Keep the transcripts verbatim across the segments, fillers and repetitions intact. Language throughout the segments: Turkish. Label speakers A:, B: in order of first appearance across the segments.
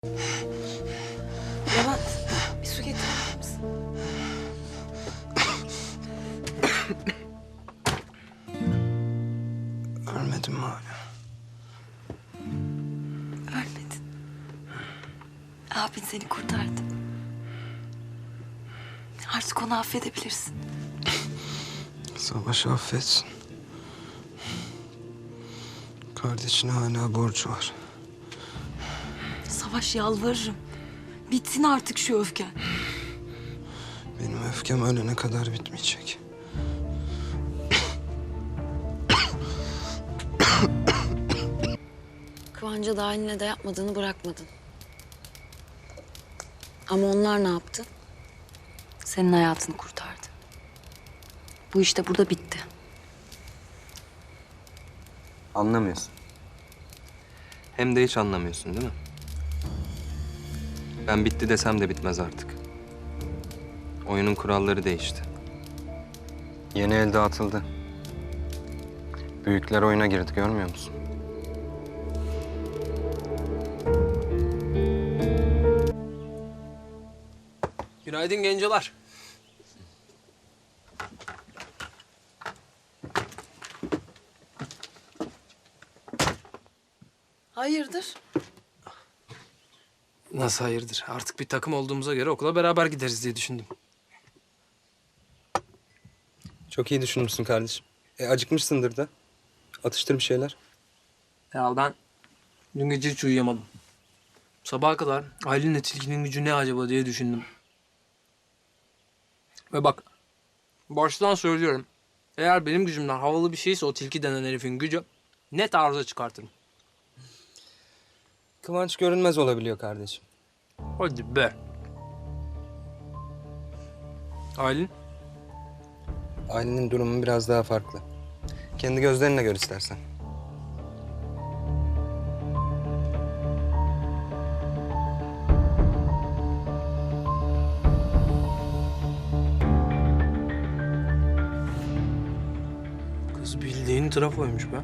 A: Levent, bir su getirir misin?
B: Ölmedim mi hala?
A: Ölmedin. Abin seni kurtardı. Artık onu affedebilirsin.
B: Savaşı affetsin. Kardeşine hala borcu var.
A: Savaş, yalvarırım. Bitsin artık şu öfken.
B: Benim öfkem ölene kadar bitmeyecek.
C: Kıvanç'a da haline de yapmadığını bırakmadın. Ama onlar ne yaptı?
A: Senin hayatını kurtardı. Bu işte burada bitti.
D: Anlamıyorsun. Hem de hiç anlamıyorsun değil mi? Ben bitti desem de bitmez artık. Oyunun kuralları değişti. Yeni el dağıtıldı. Büyükler oyuna girdi, görmüyor musun?
E: Günaydın gencolar.
A: Hayırdır?
E: Nasıl hayırdır? Artık bir takım olduğumuza göre okula beraber gideriz diye düşündüm.
D: Çok iyi düşünmüşsün kardeşim. E, acıkmışsındır da. Atıştır bir şeyler.
E: Ya ben dün gece hiç uyuyamadım. Sabaha kadar Aylin'le Tilki'nin gücü ne acaba diye düşündüm. Ve bak, baştan söylüyorum. Eğer benim gücümden havalı bir şeyse o Tilki denen herifin gücü net arıza çıkartırım.
D: Kıvanç görünmez olabiliyor kardeşim.
E: Hadi be. Aylin?
D: Ailenin durumu biraz daha farklı. Kendi gözlerinle gör istersen.
E: Kız bildiğin trafoymuş be.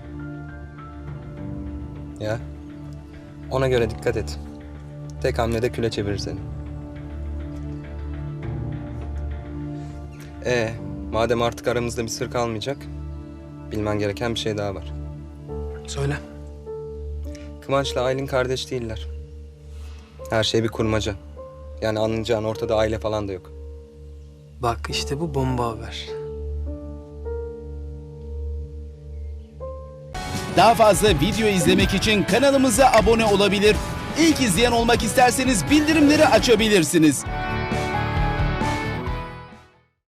D: Ya. Ona göre dikkat et. Tek hamlede küle çevirir seni. Ee, madem artık aramızda bir sır kalmayacak, bilmen gereken bir şey daha var.
E: Söyle.
D: Kıvanç'la Aylin kardeş değiller. Her şey bir kurmaca. Yani anlayacağın ortada aile falan da yok.
E: Bak işte bu bomba haber.
F: Daha fazla video izlemek için kanalımıza abone olabilir. İlk izleyen olmak isterseniz bildirimleri açabilirsiniz.